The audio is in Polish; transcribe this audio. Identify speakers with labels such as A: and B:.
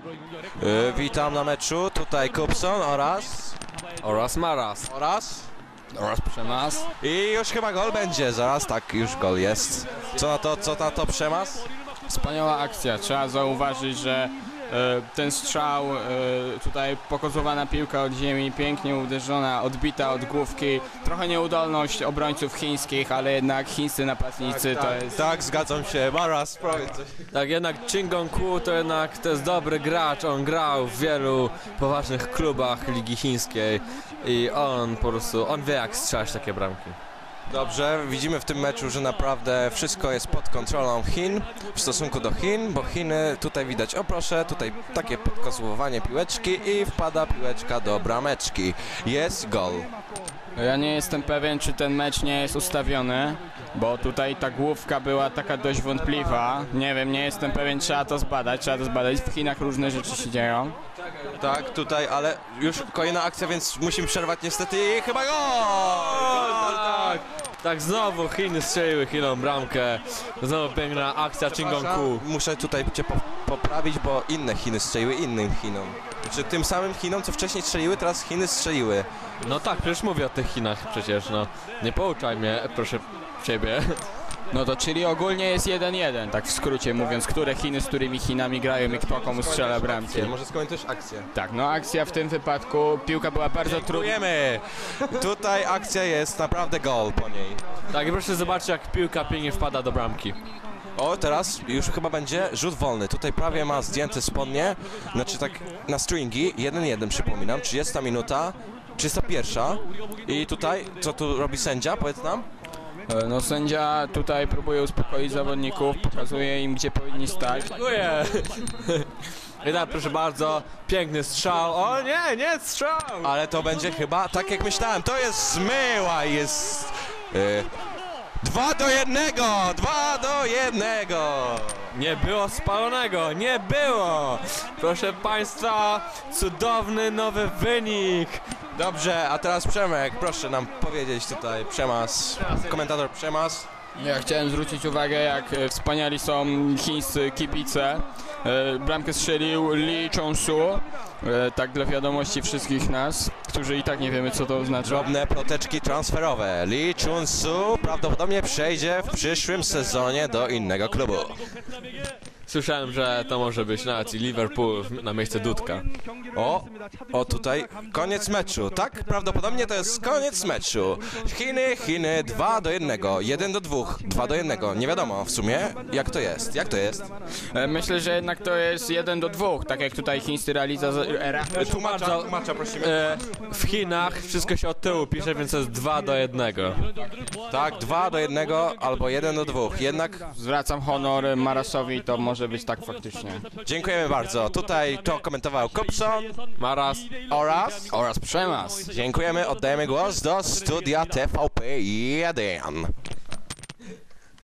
A: Witam na meczu, tutaj Kupson
B: Oraz Maras. Oraz Przemas.
A: I już chyba gol będzie, zaraz, tak, już gol jest. Co na to Przemas?
B: Wspaniała akcja. Trzeba zauważyć, że ten strzał, tutaj pokozowana piłka od ziemi, pięknie uderzona, odbita od główki. Trochę nieudolność obrońców chińskich, ale jednak chińscy napastnicy to jest...
A: Tak, zgadzam się, Maras, powiedz coś.
C: Tak, jednak Chin Gong-ku to jest dobry gracz, on grał w wielu poważnych klubach Ligi Chińskiej i on po prostu, on wie jak strzelać takie bramki.
A: Dobrze, widzimy w tym meczu, że naprawdę wszystko jest pod kontrolą Chin w stosunku do Chin, bo Chiny tutaj widać, o proszę, tutaj takie podkozłowanie piłeczki i wpada piłeczka do brameczki. Jest gol.
B: Ja nie jestem pewien, czy ten mecz nie jest ustawiony, bo tutaj ta główka była taka dość wątpliwa. Nie wiem, nie jestem pewien, trzeba to zbadać. W Chinach różne rzeczy się dzieją.
A: Tak, tutaj, ale już kolejna akcja, więc musimy przerwać niestety i chyba gol!
C: Tak, znowu Chiny strzeliły Chinom bramkę, znowu piękna akcja Chin Gong-ku.
A: Muszę tutaj cię poprawić, bo inne Chiny strzeliły innym Chinom. Znaczy tym samym Chinom, co wcześniej strzeliły, teraz Chiny strzeliły.
C: No tak, przecież mówię o tych Chinach przecież, no. Nie pouczaj mnie, proszę ciebie.
B: No to czyli ogólnie jest 1-1, tak w skrócie mówiąc, które Chiny z którymi Chinami grają i kto komu strzela bramki.
A: Może skończysz akcję.
B: Tak, no akcja w tym wypadku, piłka była bardzo trudna.
A: Dziękujemy! Tutaj akcja jest naprawdę gol po niej.
C: Tak, i proszę zobaczyć jak piłka pięknie wpada do bramki.
A: O, teraz już chyba będzie rzut wolny. Tutaj prawie ma zdjęte spodnie, znaczy tak na stringi, 1-1 przypominam, 30 minuta, 31. I tutaj, co tu robi sędzia, powiedz nam?
B: No sędzia tutaj próbuje uspokoić zawodników, pokazuje im gdzie powinni stać.
C: Dziękuję. I tak, proszę bardzo, piękny strzał. O nie strzał!
A: Ale to będzie chyba, tak jak myślałem, to jest zmyła, jest... 2-1! 2-1!
C: Nie było spalonego, nie było! Proszę państwa, cudowny nowy wynik!
A: Dobrze, a teraz Przemek, proszę nam powiedzieć tutaj, Przemas, komentator Przemas.
B: Ja chciałem zwrócić uwagę, jak wspaniali są chińscy kibice. Bramkę strzelił Lee Chong-su, tak dla wiadomości wszystkich nas, którzy i tak nie wiemy co to oznacza.
A: Drobne ploteczki transferowe. Lee Chun-su prawdopodobnie przejdzie w przyszłym sezonie do innego klubu.
C: Słyszałem, że to może być nawet i Liverpool na miejsce Dudka.
A: O tutaj koniec meczu, tak? Prawdopodobnie to jest koniec meczu. Chiny 2-1, 1-2, 2-1. Nie wiadomo w sumie jak to jest.
B: Myślę, że jednak to jest 1-2, tak jak tutaj chińscy
A: Tłumacza prosimy.
C: W Chinach wszystko się od tyłu pisze, więc to jest 2-1.
A: Tak, 2-1 albo 1-2. Jednak
B: Zwracam honor Marasowi, to może być tak faktycznie.
A: dziękujemy bardzo. Tutaj to komentował Kupson
C: Maras
B: Oraz Przemas.
A: Dziękujemy, oddajemy głos do studia TVP 1.